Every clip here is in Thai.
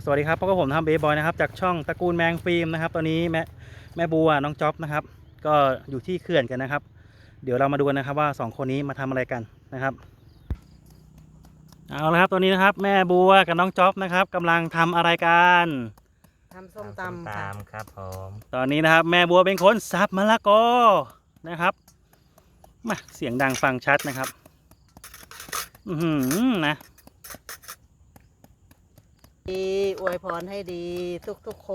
สวัสดีครับพบกับผมทำเบย์บอยนะครับจากช่องตระกูลแมงฟิล์มนะครับตอนนี้แม่บัวน้องจ๊อบนะครับก็อยู่ที่เขื่อนกันนะครับเดี๋ยวเรามาดูกันนะครับว่า2คนนี้มาทำอะไรกันนะครับเอาละครับตัวนี้นะครับแม่บัวกับน้องจ๊อบนะครับกำลังทำอะไรกันทำส้มตำค่ะครับผมตอนนี้นะครับแม่บัวเป็นคนสับมะละกอนะครับมาเสียงดังฟังชัดนะครับนะดีอวยพรให้ดีทุกคน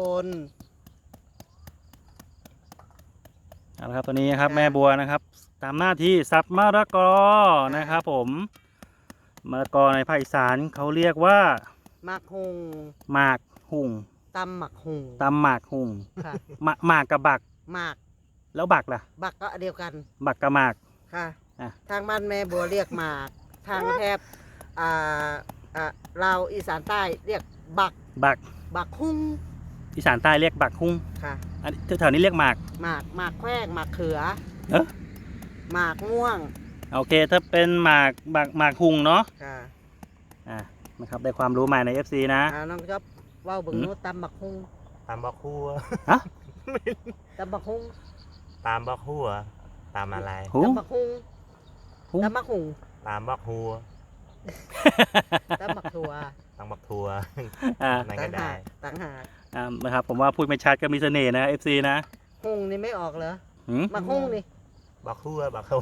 เอาละครับตัวนี้นะครับแม่บัวนะครับตามหน้าที่สับมะละกอนะครับผมมะละกอในภาคอีสานเขาเรียกว่าหมักหุงหมากหุ่งตำหมักหุงตำหมากหุ่งค่ะหมากกับบักหมากแล้วบักล่ะบักก็เดียวกันบักกับหมากค่ะทางบ้านแม่บัวเรียกหมากทางแถบเราอีสานใต้เรียกบักหุงอีสานใต้เรียกบักหุ่งค่ะอันแถวนี้เรียกหมากแขว้งหมากเขือหมากม่วงโอเคถ้าเป็นหมากหุ่งเนาะค่ะนะครับได้ความรู้ใหม่ใน FC นะน้องจ๊อบว่าวบึงนู้ตำบักหุ่งตามบักฮู้ฮะตำบักหุ่งตามบักฮู้ตามอะไรตำบักหุ่งตำบักหุ่งตามบักฮู้ตำบักทัวตามบักทัวนั่นก็ได้ต่างหากนะครับผมว่าพูดไม่ชัดก็มีเสน่ห์นะ FC นะหุ่งนี่ไม่ออกเหรอบักหุ่งนี่บักฮู้บักฮู้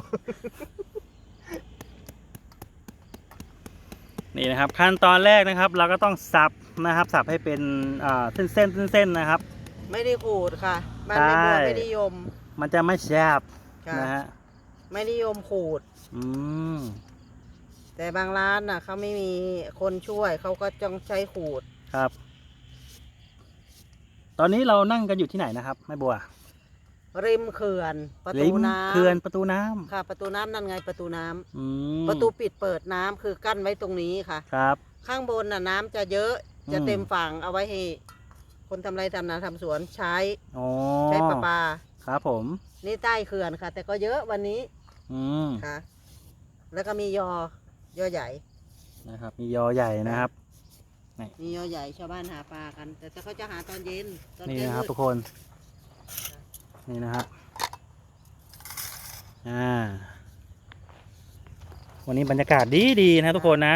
นี่นะครับขั้นตอนแรกนะครับเราก็ต้องสับนะครับสับให้เป็นเส้นนะครับไม่ได้ขูดค่ะมันไม่นิยมมันจะไม่แซ่บนะฮะไม่นิยมขูดแต่บางร้านน่ะเขาไม่มีคนช่วยเขาก็ต้องใช้ขูดครับตอนนี้เรานั่งกันอยู่ที่ไหนนะครับแม่บัวริมเขื่อนประตูน้ำเขื่อนประตูน้ำค่ะประตูน้ำนั่นไงประตูน้ำประตูปิดเปิดน้ำคือกั้นไว้ตรงนี้ค่ะครับข้างบนน่ะน้ำจะเยอะจะเต็มฝั่งเอาไว้ให้คนทำไรทำนาทำสวนใช้ประปาครับผมนี่ใต้เขื่อนค่ะแต่ก็เยอะวันนี้ค่ะแล้วก็มียอใหญ่นะครับมียอใหญ่นะครับมียอใหญ่ชาวบ้านหาปลากันแต่เขาจะหาตอนเย็นนี่นะครับทุกคนนี่นะครับวันนี้บรรยากาศดีนะทุกคนนะ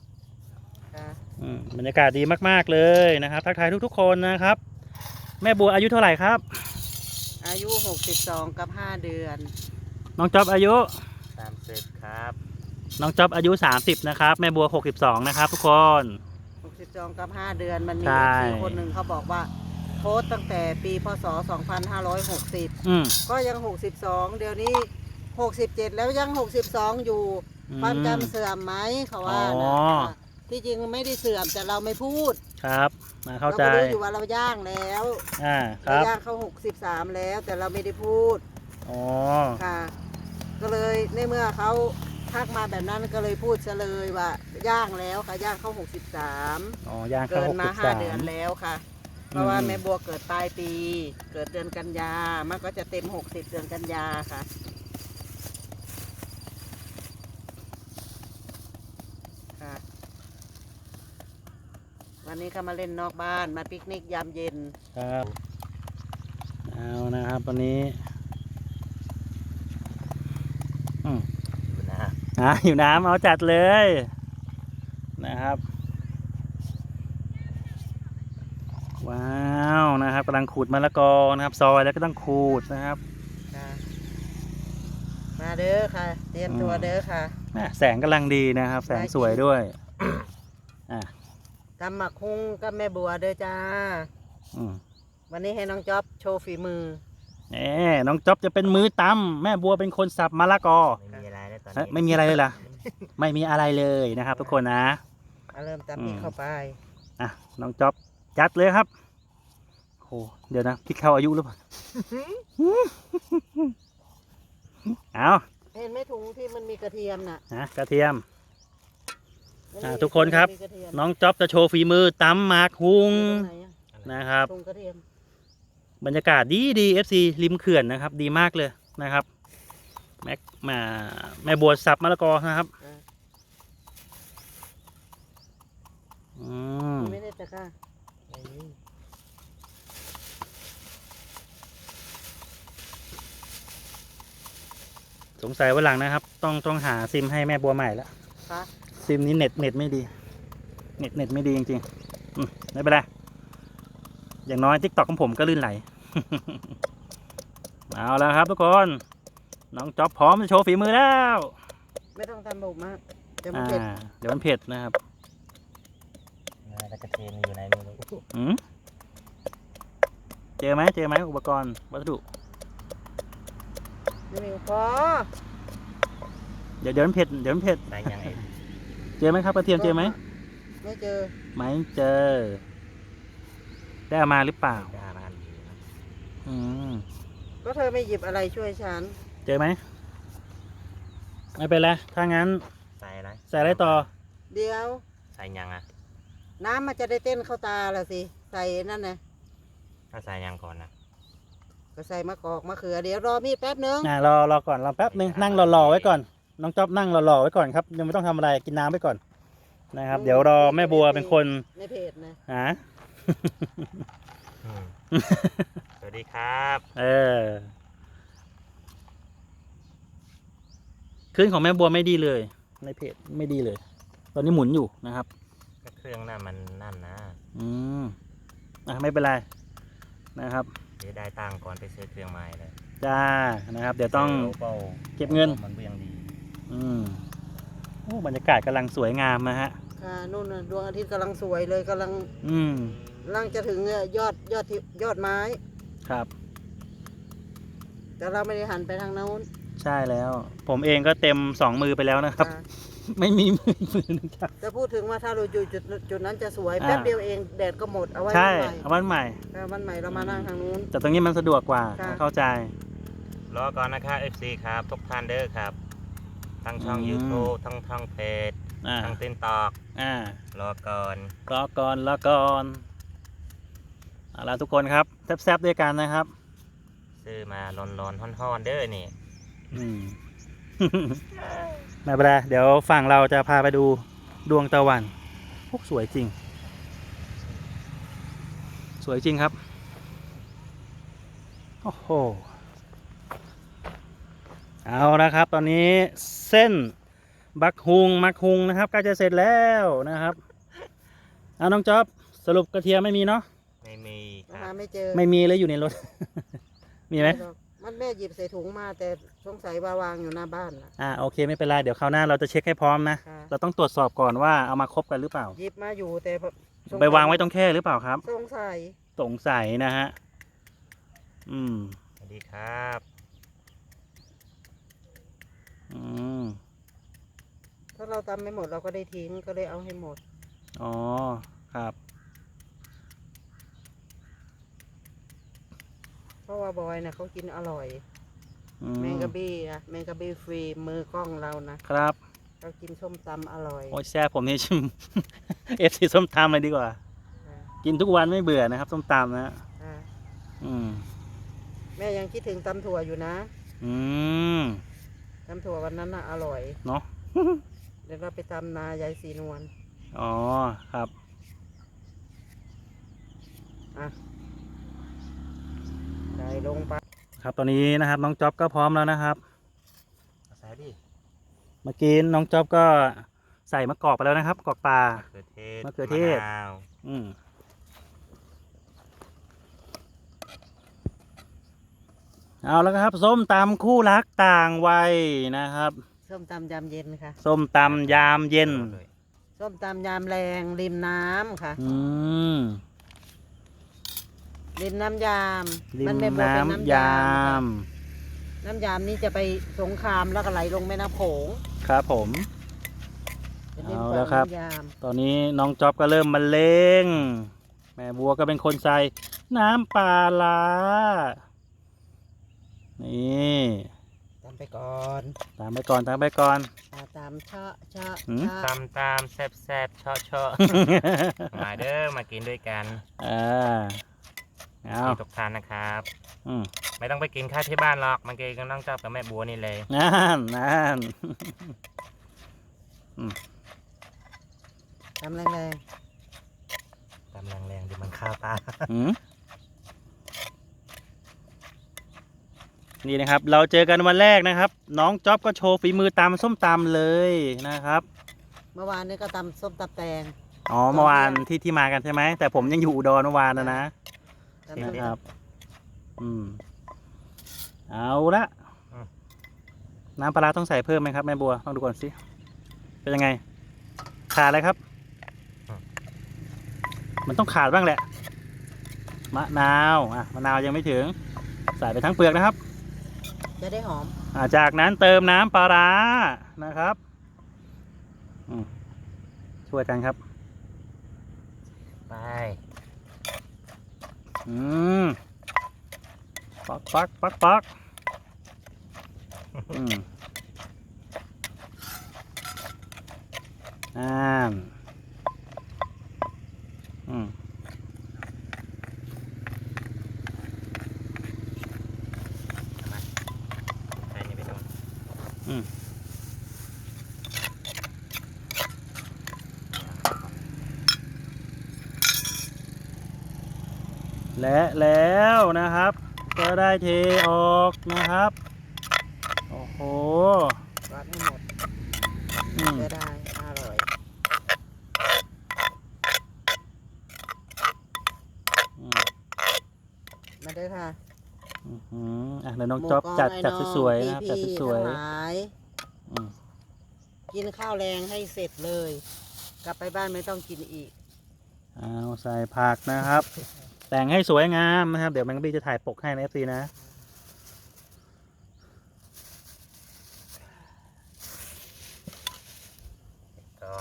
บรรยากาศดีมากๆเลยนะครับทักทายทุกๆคนนะครับแม่บัวอายุเท่าไหร่ครับอายุ62กับ5เดือนน้องจ๊อบอายุ 30ครับน้องจ๊อบอายุ30นะครับแม่บัว62นะครับทุกคน 62กับ5เดือนมันมีคนหนึ่งเขาบอกว่าโพสตั้งแต่ปีพศ2560ก็ยัง62เดี๋ยวนี้67แล้วยัง62อยู่ความจำเสื่อมไหมเขาว่านะที่จริงไม่ได้เสื่อมแต่เราไม่พูดครับมาเข้าใจเรารู้อยู่ว่าเราย่างแล้วเราย่างเขา63แล้วแต่เราไม่ได้พูดค่ะก็เลยในเมื่อเขาทักมาแบบนั้นก็เลยพูดเฉลยว่าย่างแล้วค่ะย่างเข้า63 ย่างเข้า63 เกินมา5เดือนแล้วค่ะเพราะว่าแม่บัวเกิดปลายปีเกิดเดือนกันยามันก็จะเต็ม60เดือนกันยาค่ะวันนี้เขามาเล่นนอกบ้านมาปิกนิกยามเย็นครับเอานะครับตอนนี้อยู่น้ำเอาจัดเลยนะครับว้าวนะครับกำลังขูดมะละกอนะครับซอยแล้วก็ต้องขูดนะครับมาเด้อค่ะเตรียมตัวเด้อค่ะแสงกำลังดีนะครับแสงสวยด้วยทำหมักหุ้งกับแม่บัวเด้อจ้าวันนี้ให้น้องจ๊อบโชว์ฝีมือน้องจ๊อบจะเป็นมือตำแม่บัวเป็นคนสับมะละกอไม่มีอะไรเลยล่ะไม่มีอะไรเลยนะครับทุกคนนะเริ่มตำพริกเข้าไปน้องจ๊อบจัดเลยครับโอ้เดี๋ยวนะพริกเข้าอายุหรือเปล่าเอาเห็นไหมถุงที่มันมีกระเทียมน่ะกระเทียมทุกคนครับน้องจ๊อบจะโชว์ฝีมือตำหมากหุงนะครับบรรยากาศดีFC ริมเขื่อนนะครับดีมากเลยนะครับแม่บัวสับมะละกอนะครับไม่ได้ตะก้าไม่มีสงสัยวันหลังนะครับ ต้องหาซิมให้แม่บัวใหม่แล้วค่ะซิมนี้เน็ตไม่ดี เน็ตไม่ดีจริงๆไม่เป็นไรอย่างน้อยทิกตอกของผมก็ลื่นไหล เอาแล้วครับทุกคนน้องจ๊อบพร้อมจะโชว์ฝีมือแล้วไม่ต้องทำบุกมากเดี๋ยวมันเผ็ดเดี๋ยวมันเผ็ดนะครับแล้วกระเทียมอยู่ไหนไม่รู้อืมเจอไหมอุปกรณ์วัสดุไม่มีพอเดี๋ยวมันเผ็ดใส่ยังไงเจอไหมครับกระเทียมเจอไหมไม่เจอไม่เจอ ได้เอามาหรือเปล่าได้มาอันเดียวนะอืมก็เธอไม่หยิบอะไรช่วยฉันเจอไหมไม่เป็นไรถ้างั้นใส่อะไรใส่อะไรต่อเดี๋ยวใส่ยังอ่ะน้ำมันจะได้เต้นเข้าตาละสิใส่นั่นนะถ้าใส่ยังก่อนนะก็ใส่มะกอกมะเขือเดี๋ยวรอมีดแป๊บนึงรอก่อนรอแป๊บนึงนั่งรอไว้ก่อนน้องจ๊อบนั่งรอไว้ก่อนครับยังไม่ต้องทำอะไรกินน้ำไว้ก่อนนะครับ เดี๋ยวรอแม่บัวเป็นคนในเพจนะหาอืม สวัสดีครับขึ้นของแม่บัวไม่ดีเลย ในเพจไม่ดีเลย ตอนนี้หมุนอยู่นะครับก็เครื่องน่ะมันนั่นนะอืมไม่เป็นไรนะครับเดี๋ยวได้ตังค์ก่อนไปซื้อเครื่องใหม่เลยจ้านะครับ เดี๋ยวต้องโเบาเก็บเงินมันเบี่ยงดีโอ้บรรยากาศกำลังสวยงามนะฮะค่ะนู่นน่ะดวงอาทิตย์กำลังสวยเลยกำลังอืมจะถึงยอดไม้ครับแต่เราไม่ได้หันไปทางโน้นใช่แล้ว ผมเองก็เต็ม2 มือไปแล้วนะครับค่ะไม่มีมือหนึงครับจะพูดถึงว่าถ้าเราอยู่จุดนั้นจะสวยอ่าแป๊บเดียวเองแดดก็หมดเอาไว้ใช่วันใหม่เอาวันใหม่วันใหม่เรามานั่งทางนู้นแต่ตรงนี้มันสะดวกกว่าค่ะเข้าใจรอก่อนนะครับ FC ครับ ทุกท่านเด้อครับ ทั้งช่องอืม YouTube ทั้งเพจอ่าทั้งติ๊กตอกอ่ารอก่อนรอก่อนเอาล่ะทุกคนครับแซ่บๆด้วยกันนะครับซื้อมาร้อนๆฮ้อนๆเด้อนี่อืม ไม่เป็นไรเดี๋ยวฝั่งเราจะพาไปดูดวงตะวันโอ้สวยจริง สวยจริงครับ โอ้โห เอาละครับ ตอนนี้เส้นมักฮุงนะครับใกล้จะเสร็จแล้วนะครับเอาน้องจ๊อบสรุปกระเทียมไม่มีเนาะไม่มีคหารับไม่เจอไม่มีเลยอยู่ในรถ มีไหมมันแม่หยิบใส่ถุงมาแต่สงสัยว่าวางอยู่หน้าบ้านล่ะโอเคไม่เป็นไรเดี๋ยวคราวหน้าเราจะเช็คให้พร้อมนะค่ะเราต้องตรวจสอบก่อนว่าเอามาครบกันหรือเปล่าหยิบมาอยู่แต่สสัยไปวางไว้ตรงแค่หรือเปล่าครับสงสัยสงสัยนะฮะ อืมสวัสดีครับอืมถ้าเราตำไม่หมดเราก็ได้ทิ้งก็เลยเอาให้หมดอ๋อ ครับเพราะว่าบอยนะเขากินอร่อยอืแมงกะบี้อะแมงกะบี้ฟรีมือกล้องเรานะครับ เขากินส้มตำอร่อยโอ้ยแซ่บผมนี่ ชิม FC ส้มตำเลยดีกว่าค่ะกินทุกวันไม่เบื่อนะครับส้มตำนะค่ะอืมแม่ยังคิดถึงตำถั่วอยู่นะอืมตำถั่ววันนั้นน่ะอร่อยเนาะเดี๋ยวเราไปตำนายายสีนวลอ๋อ ครับอ่ะใส่ลงไปครับตอนนี้นะครับน้องจ๊อบก็พร้อมแล้วนะครับเอาใส่ดิเมื่อกี้น้องจ๊อบก็ใส่มะกอกไปแล้วนะครับกอกปลามะเขือเทศมะเขือเทศมะนาวอืมเอาแล้วครับ ส้มตำคู่รักต่างวัยนะครับส้มตำยามเย็นค่ะส้มตำยามเย็นส้มตำยามแรงริมน้ำค่ะอืมริมน้ำยามริมแม่บัวเป็นน้ำยามน้ำยามนี้จะไปสงครามแล้วก็ไหลลงแม่น้ำโขงครับผมเป็นริมเอาฝั่งแล้วครับน้ำยามตอนนี้น้องจ๊อบก็เริ่มบรรเลงแม่บัวก็เป็นคนใส่น้ำปลาร้านี่ตามไปก่อนตามไปก่อนตามไปก่อนตามเชาะเชาะหืมเชาะตำตามแซ่บแซ่บเชาะเชาะ มาเด้อมากินด้วยกันอ่าเอาที่ทุกท่านนะครับอืมไม่ต้องไปกินข้าวที่บ้านหรอกมากินกับน้องเจ้ากับแม่บัวนี่เลยนั่นตามแรงตำแรงๆดิมันข้าวตาอืมนี่นะครับ เราเจอกันวันแรกนะครับ น้องจ๊อบก็โชว์ฝีมือตำส้มตำเลยนะครับเมื่อวานนี้ก็ตำส้มตำแตงอ๋อเมื่อวานที่มากันใช่ไหมแต่ผมยังอยู่อุดรเมื่อวานนะตำส้มนะครับ เอาละน้ำปลาร้าต้องใส่เพิ่มไหมครับแม่บัวลองดูก่อนสิเป็นยังไงขาดอะไรครับ มันต้องขาดบ้างแหละมะนาวมะนาวยังไม่ถึงใส่ไปทั้งเปลือกนะครับจะได้หอมจากนั้นเติมน้ำปลาร้านะครับช่วยกันครับไปปักใส่นี่ไปตรงและแล้วนะครับ ก็ได้เทออกนะครับโอ้โหราดให้หมดจะได้อร่อยมาเด้อค่ะเดี๋ยวน้องจ๊อบจัดสวยๆนะครับจัดสวยกินข้าวแรงให้เสร็จเลย กลับไปบ้านไม่ต้องกินอีกเอาใส่ผักนะครับ แต่งให้สวยงามนะครับเดี๋ยวแมงบี้จะถ่ายปกให้นะFCนะก่อน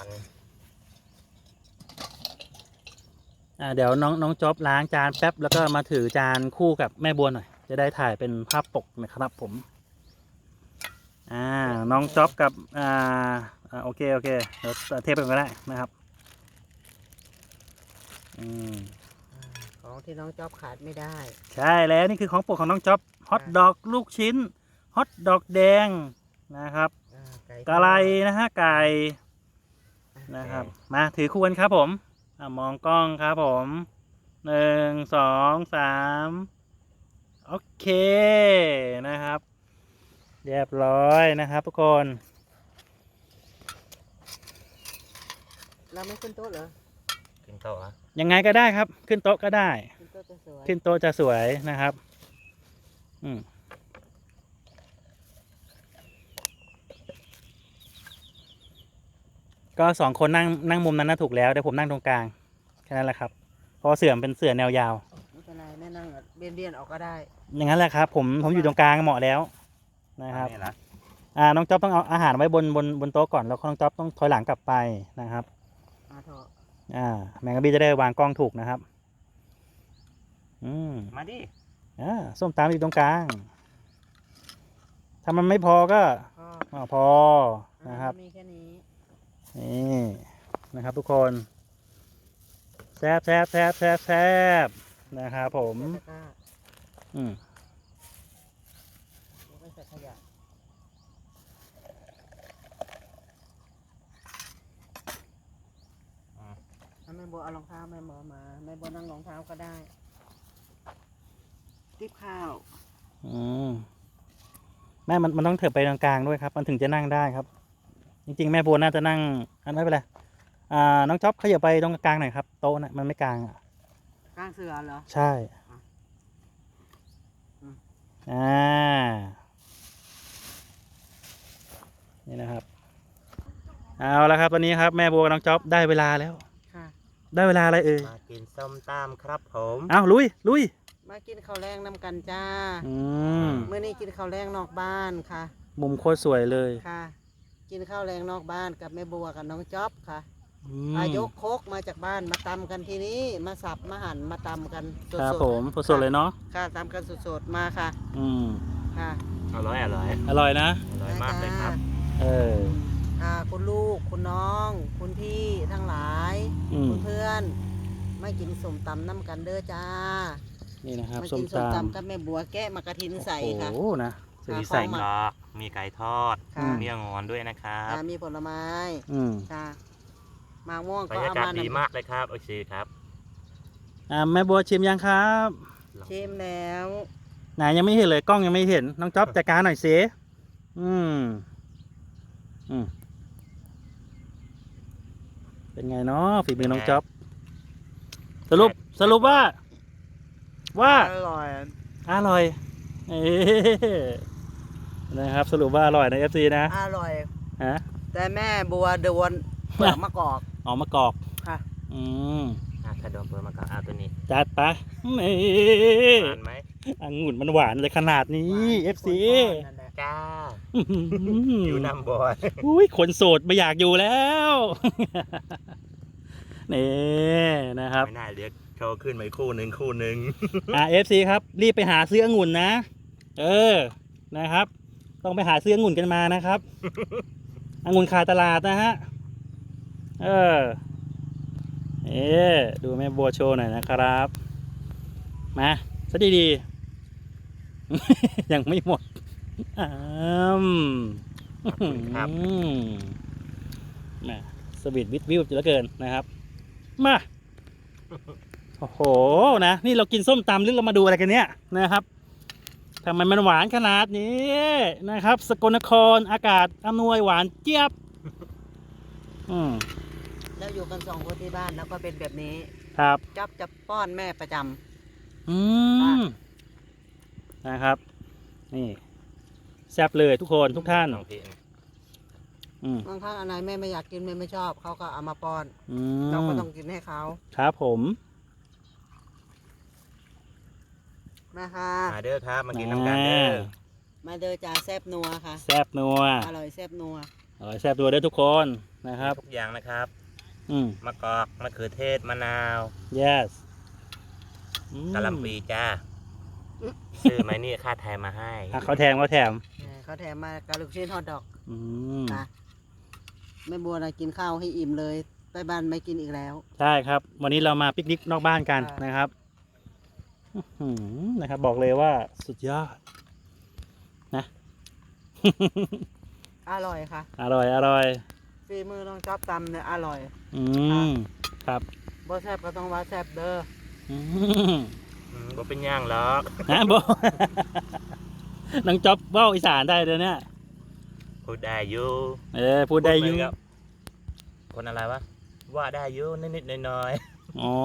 เดี๋ยวน้องจ๊อบล้างจานแป๊บแล้วก็มาถือจานคู่กับแม่บัวหน่อยจะได้ถ่ายเป็นภาพปกนะครับผมน้องจ๊อบกับโอเคเดี๋ยวเทปไปก็ได้นะครับของที่น้องจ๊อบขาดไม่ได้ใช่แล้วนี่คือของโปรดของน้องจ๊อบฮอทดอกลูกชิ้นฮอทดอกแดงนะครับกะไรนะฮะไก่นะครับมาถือคู่กันครับผมมองกล้องครับผม1 2 3โอเคนะครับเรียบร้อยนะครับทุกคนเราไม่ขึ้นโต๊ะเหรอขึ้นโต๊ะอ่ะยังไงก็ได้ครับขึ้นโต๊ะก็ได้ขึ้นโต๊ะจะสวยขึ้นโต๊ะจะสวยนะครับก็2 คนนั่งมุมนั้นน่าถูกแล้วเดี๋ยวผมนั่งตรงกลางแค่นั้นแหละครับเพราะเสื่อมเป็นเสื่อแนวยาวไม่เป็นไรแม่นั่งเบียนออกก็ได้อย่างนั้นแหละครับผมอยู่ตรงกลางเหมาะแล้วนะครับนี่ละน้องจ๊อบต้องเอาอาหารไว้บนโต๊ะก่อนแล้วน้องจ๊อบต้องถอยหลังกลับไปนะครับมาเถอะแมงกะบี้จะได้วางกล้องถูกนะครับมาดิส้มตำอยู่ตรงกลางถ้ามันไม่พอก็พอนะครับมีแค่นี้นี่นะครับทุกคนแซบนะครับผมไม่ใส่ขยะแม่บัวเอารองเท้าแม่บัวมาแม่บัวนั่งรองเท้าก็ได้ติ๊บข้าวแม่มันต้องเถิบไปตรงกลางด้วยครับมันถึงจะนั่งได้ครับจริงๆแม่บัวน่าจะนั่งไม่เป็นไรน้องจ๊อบขยับไปตรงกลางหน่อยครับโต๊ะน่ะมันไม่กลางกลางเสือเหรอใช่นี่นะครับเอาละครับตอนนี้ครับแม่บัวกับน้องจ๊อบได้เวลาแล้วได้เวลาอะไรมากินส้มตำครับผมลุยมากินข้าวแรงน้ำกันจ้าเมื่อนี้กินข้าวแรงนอกบ้านค่ะมุมโคตรสวยเลยค่ะกินข้าวแรงนอกบ้านกับแม่บัวกับน้องจ๊อบค่ะยกโคกมาจากบ้านมาตำกันทีนี้มาสับมาหั่นมาตำกันสดๆครับผมสดๆเลยเนาะค่ะตำกันสดๆมาค่ะค่ะอร่อยนะอร่อยมากเลยครับคุณลูกคุณน้องคุณพี่ทั้งหลายคุณเพื่อนไม่กินส้มตำน้ำกันเด้อจ้านี่นะครับส้มตำกับแม่บัวแกะมากระทินใส่ค่ะโอ้นะมีใส่กรอกมีไก่ทอดมีงอนด้วยนะครับมีผลไม้ค่ะมาม่วงบรรยากาศดีมากเลยครับโอเคครับแม่บัวชิมยังครับชิมแล้วไหนยังไม่เห็นเลยกล้องยังไม่เห็นน้องจ๊อบจัดการหน่อยสิอืมเป็นไงเนาะฝีมือน้องจ๊อบสรุปว่าอร่อยอร่อยเอ๊ะนะครับสรุปว่าอร่อยนะ FC นะอร่อยฮะแต่แม่บัวโดนเปลือกมะกอกออกมากอกค่ะอืมถ้าโดนเปิดมาก็เอาตัวนี้จัดไปนี่หวานไหมองุ่นมันหวานเลยขนาดนี้ FC นั่นแหละจ้าออยู่น้ำบอยอุ้ยคนโสดไม่อยากอยู่แล้ว นี่นะครับไม่น่าเรียกเขาขึ้นมาอีกคู่หนึ่ง FC ครับรีบไปหาซื้อองุ่นนะนะครับ ต้องไปหาซื้อองุ่นกันมานะครับ องุ่นขาดตลาดนะฮะดูแม่บัวโชว์หน่อยนะครับมาซะดีๆ ยังไม่หมดครับมาสวีทวิทวิวจะเหลือเกินนะครับมาโอ้โหนะนี่เรากินส้มตำหรือเรามาดูอะไรกันเนี่ยนะครับทำไมมันหวานขนาดนี้นะครับสกลนครอากาศอำนวยหวานเจี๊ยบแล้วอยู่กัน2 คนที่บ้านแล้วก็เป็นแบบนี้ครับจ๊อบจะป้อนแม่ประจำนะครับนี่แซ่บเลยทุกคนทุกท่านน้องพี่บางครั้งอะไรแม่ไม่อยากกินแม่ไม่ชอบเขาก็เอามาป้อนมเราก็ต้องกินให้เขาครับผมนะคะมาเด้อครับมากินน้ำกันเด้อมาเดอจ่าแซบนัวค่ะแซ่บนัวอร่อยแซบนัวอร่อยแซ่บนัวเด้อทุกคนนะครับทุกอย่างนะครับ มะกอกมะเขือเทศมะนาว yes กะหล่ำปีจ้าซื้อไหมนี่ค่าแถมมาให้เขาแถมเขาแถมมากับลูกชิ้นฮอทดอกนะแม่บัวนะกินข้าวให้อิ่มเลยไปบ้านไม่กินอีกแล้วใช่ครับ วันนี้เรามาปิกนิกนอกบ้านกันนะครับนะครับ บอกเลยว่าสุดยอดนะอร่อยค่ะอร่อยฝีมือน้องจ๊อบตำเนี่ยอร่อยครับบ่แซบก็ต้องว่าแซบเด้อบ่เป็นย่างหรอกนะโบ น้องจ๊อบเว้าอีสานได้เลยเนี่ยพูดได้อยู่พูดได้อยุ่คนอะไรวะว่าได้อยู่นิดๆหน่อยอ๋อ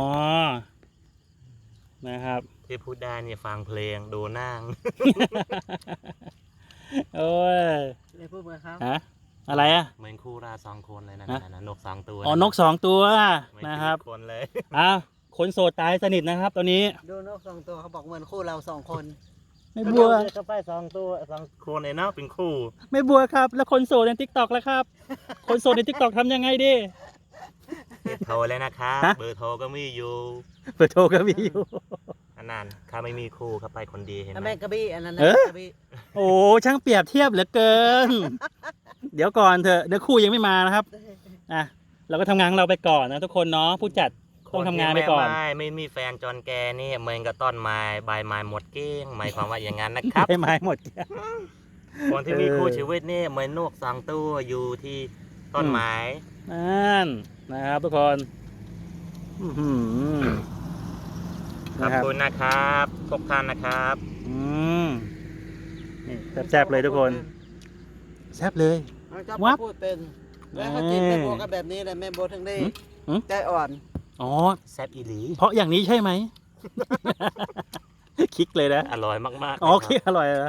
นะครับๆที่พูดได้เนี่ยฟังเพลงดูนั่งโอ้ยเลยพูดเหมือนเขาฮะอะไรอ่ะเหมือนคู่รา2 คนเลยนะนก2 ตัวอ๋อนก2 ตัวไม่นะครับคนเลยคนโสดตายสนิทนะครับตอนนี้ดูนก2 ตัวเขาบอกเหมือนคู่เรา2 คนไม่บัวก็ไป2 ตัว2 คนเลยเนาะเป็นคู่ไม่บัวครับ แล้วคนโสดใน TikTok แล้วครับ คนโสดใน TikTok ทำยังไงดิโทรเลยนะครับฮะเบอร์โทรก็มีอยู่เปิดโทรก็มีอยู่อันนั้นข้าไม่มีคู่เขาไปคนเดียวเห็นไหมแม่กระบี่อันนั้นนะเอ๊ะกระบี่โอ้ช่างเปรียบเทียบเหลือเกิน เดี๋ยวก่อนเถอะเดี๋ยวคู่ยังไม่มานะครับเราก็ทำงานของเราไปก่อนนะทุกคนเนาะผู้จัดต้องทำงานไปก่อนไม่มีแฟนจอนแกนี่เหมือนกับต้นไม้ใบไม้หมดเกลี้ยงหมายความว่าอย่างนั้นนะครับได้ไม้หมดคนที่มีคู่ชีวิตนี่เหมือนนก2 ตัวอยู่ที่ต้นไม้นั่นนะครับทุกคนขอบคุณนะครับทุกท่านนะครับนี่แซ่บๆเลยทุกคนแซ่บเลยน้องจ๊อบวับพูดเป็นแล้วเขากินแม่บัวก็แบบนี้แหละแม่บัวถึงได้ ใจอ่อนอ๋อแซ่บอีหลีเพราะอย่างนี้ใช่ไหม คลิกเลยนะอร่อยมากๆอ๋อนะคลิกอร่อยนะ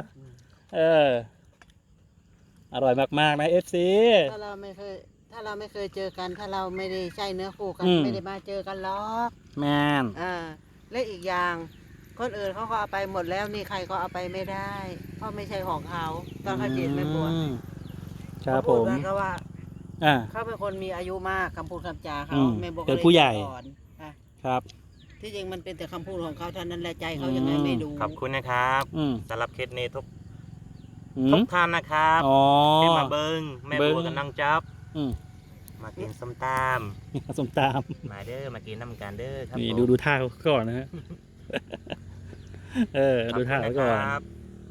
อร่อยมากๆนะ FC ถ้าเราไม่เคยเจอกัน ถ้าเราไม่ได้ใช่เนื้อคู่กัน ไม่ได้มาเจอกันหรอกแมนและอีกอย่างคนอื่นเขาก็เอาไปหมดแล้วนี่ใครก็เอาไปไม่ได้ เพราะไม่ใช่ของเขาต้องให้เปลี่ยนแม่บัวครับผมเขาพูดก็ว่าอ่าเขาเป็นคนมีอายุมากคำพูดคำจาเขาแม่บัวก็เป็นลยผู้ใหญ่อ่อนอ่ะครับที่จริงมันเป็นแต่คำพูดของเขาเท่านั้นแหละใจเขายังไงไม่ดูขอบคุณนะครับอืมสำหรับเคสนี้ทุกอืทุมกท่านนะครับอ๋อที่มาเบิ้งแม่เบิ่งบัวกับน้องจ๊อบอืมมากินส้มตสมตามำมาเด้อมากินน้ำกันเด้อครับนี่ผมดูท่าเขาก่อนนะฮะ ดูท่าเขาก่อนขบคุณนะครับ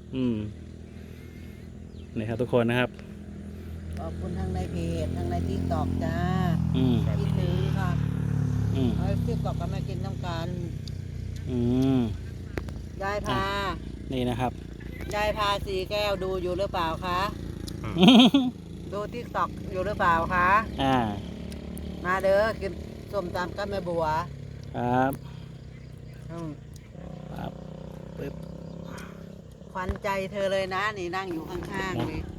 นี่ครับทุกคนนะครับขอบคุณทั้งในเพจทั้งในทิกตอกจ้าอืมคิดถึงค่ะอืมเอาทิกตอกก็มากินน้ำกันอืมยายพานี่นะครับยายพาสีแก้วดูอยู่หรือเปล่าคะ ดูทิกตอกอยู่หรือเปล่าคะอ่ามาเด้อกินส้มตำกับแม่บัวครับอืมครับปึ๊บขวัญใจเธอเลยนะนี่นั่งอยู่ข้างๆนี่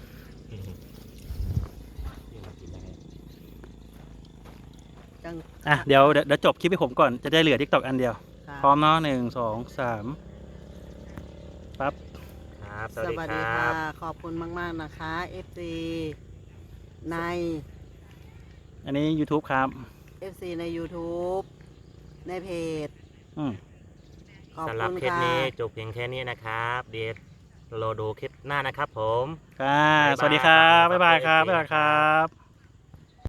จังอ่ะเดี๋ยวจบคลิปให้ผมก่อนจะได้เหลือทิกตอกอันเดียวค่ะพร้อมเนาะ1 2 3ปั๊บครับ สสวัสวัสดีดีครัค่ะบขอบคุณมากๆนะคะ FC ในอันนี้ YouTube ครับ FC ใน YouTube ในเพจอืมขอบสำหรับคุณคลิปค่ะนี้จบเพียงแค่นี้นะครับ เดี๋ยวเราดูคลิปหน้านะครับผมค่ะ สวัสดีครับ บ๊ายบายครับ บ๊ายบายครับ